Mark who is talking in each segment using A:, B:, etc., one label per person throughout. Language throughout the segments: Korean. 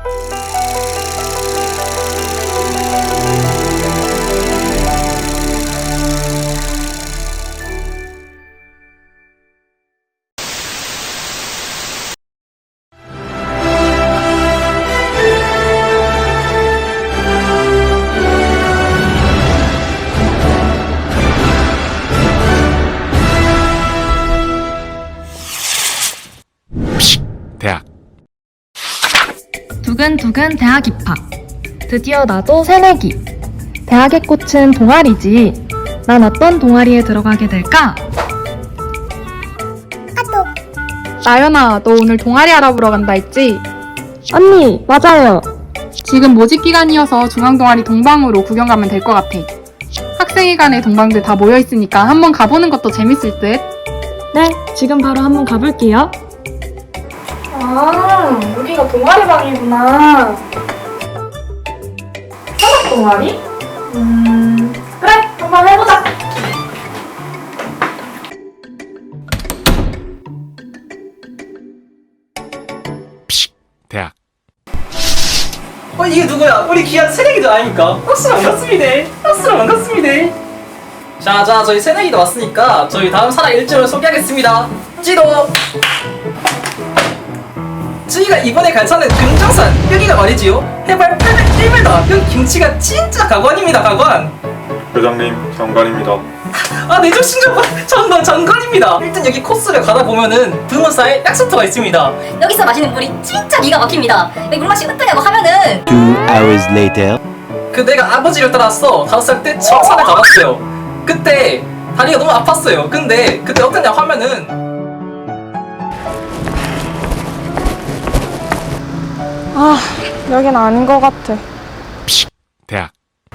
A: 대학.
B: 두근두근 대학 입학. 드디어 나도 새내기. 대학의 꽃은 동아리지. 난 어떤 동아리에 들어가게 될까?
C: 나연아, 너 오늘 동아리 알아보러 간다 했지?
B: 언니, 맞아요.
C: 지금 모집 기간이어서 중앙동아리 동방으로 구경 가면 될 것 같아. 학생회관에 동방들 다 모여있으니까 한번 가보는 것도 재밌을 듯?
B: 네, 지금 바로 한번 가볼게요.
C: 아, 여기가 동아리 방이구나. 산악 동아리? 그래, 한번 해보자.
A: 대학.
D: 이게 누구야? 우리 귀한 새내기도 아닙니까? 박수로 반갑습니다. 박수로 반갑습니다. 자, 저희 새내기도 왔으니까 저희 다음 산악 일정을 소개하겠습니다. 지도! 저희가 이번에 갈 산은 금정산, 여기가 말이지요. 해발 801m, 여기 경치가 진짜 가관입니다, 가관.
E: 회장님, 장관입니다.
D: 내 정신 좀 전관입니다. 일단 여기 코스를 가다 보면은 드문사에 약수터가 있습니다.
F: 여기서 마시는 물이 진짜 기가 막힙니다. 여기 물 마시고 뜨냐고 하면은
G: 2 hours later.
D: 내가 아버지를 따라서 5살 때 처음 산에 가봤어요. 그때 다리가 너무 아팠어요. 근데 그때 어땠냐고 하면은
C: 여긴 아닌 것 같아.
A: 대학.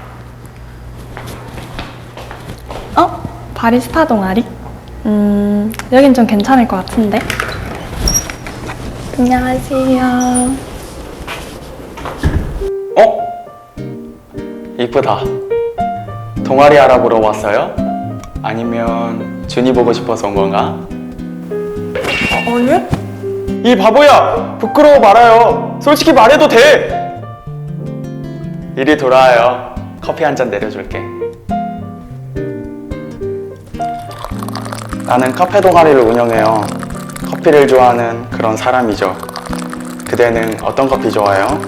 B: 바리스타 동아리? 여긴 좀 괜찮을 것 같은데. 안녕하세요.
H: 이쁘다. 동아리 알아보러 왔어요? 아니면 준이 보고 싶어서 온 건가?
C: 아니?
H: 이 바보야! 부끄러워 말아요. 솔직히 말해도 돼! 이리 돌아와요. 커피 한 잔 내려줄게. 나는 카페 동아리를 운영해요. 커피를 좋아하는 그런 사람이죠. 그대는 어떤 커피 좋아해요?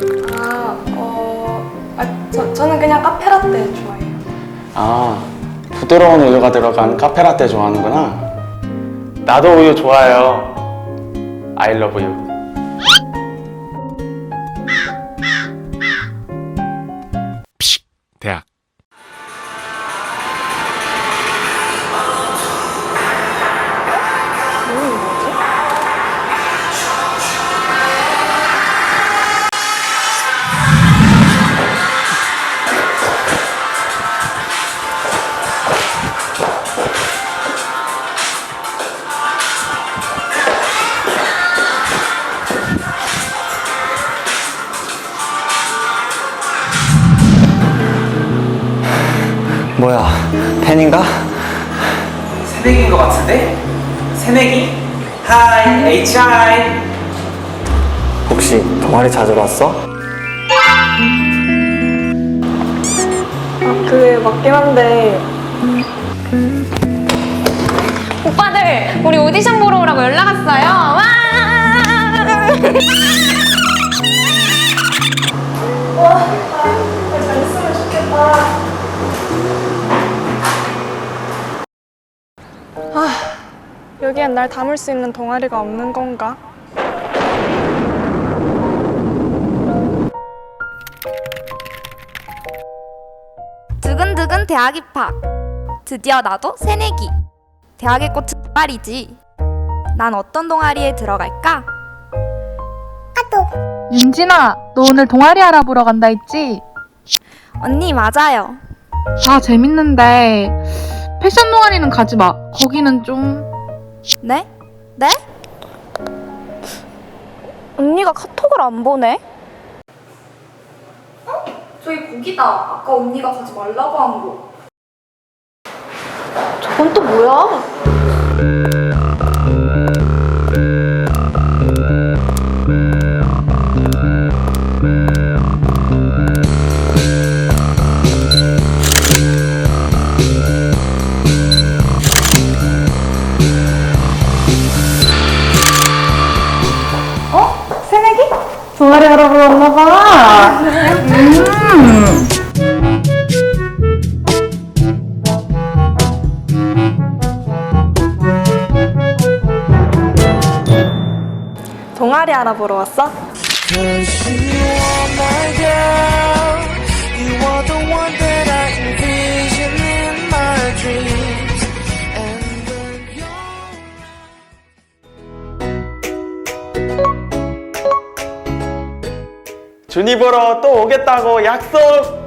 B: 저는 그냥 카페라떼 좋아해요.
H: 부드러운 우유가 들어간 카페라떼 좋아하는구나. 나도 우유 좋아해요. I love you.
A: 대학.
G: 뭐야, 팬인가?
D: 새내기인 것 같은데? 새내기? 하이, HI.
G: 혹시 동아리 찾으러 왔어?
B: 그게 맞긴 한데.
I: 오빠들, 우리 오디션 보러 오라고 연락 왔어요. 와!
B: 잘했으면 좋겠다.
C: 여기엔 날 담을 수 있는 동아리가 없는 건가?
I: 두근두근 대학 입학. 드디어 나도 새내기. 대학의 꽃은 동아리지. 난 어떤 동아리에 들어갈까?
C: 윤진아, 너 오늘 동아리 알아보러 간다 했지?
I: 언니, 맞아요.
C: 다 재밌는데 패션 동아리는 가지 마. 거기는 좀...
I: 네? 네? 언니가 카톡을 안 보내? 저기 거기다. 아까 언니가 가지 말라고 한 거. 저건 또 뭐야?
J: 동아리 알아보러 왔나봐.
I: 동아리 알아보러 왔어?
H: 준이 보러 또 오겠다고 약속.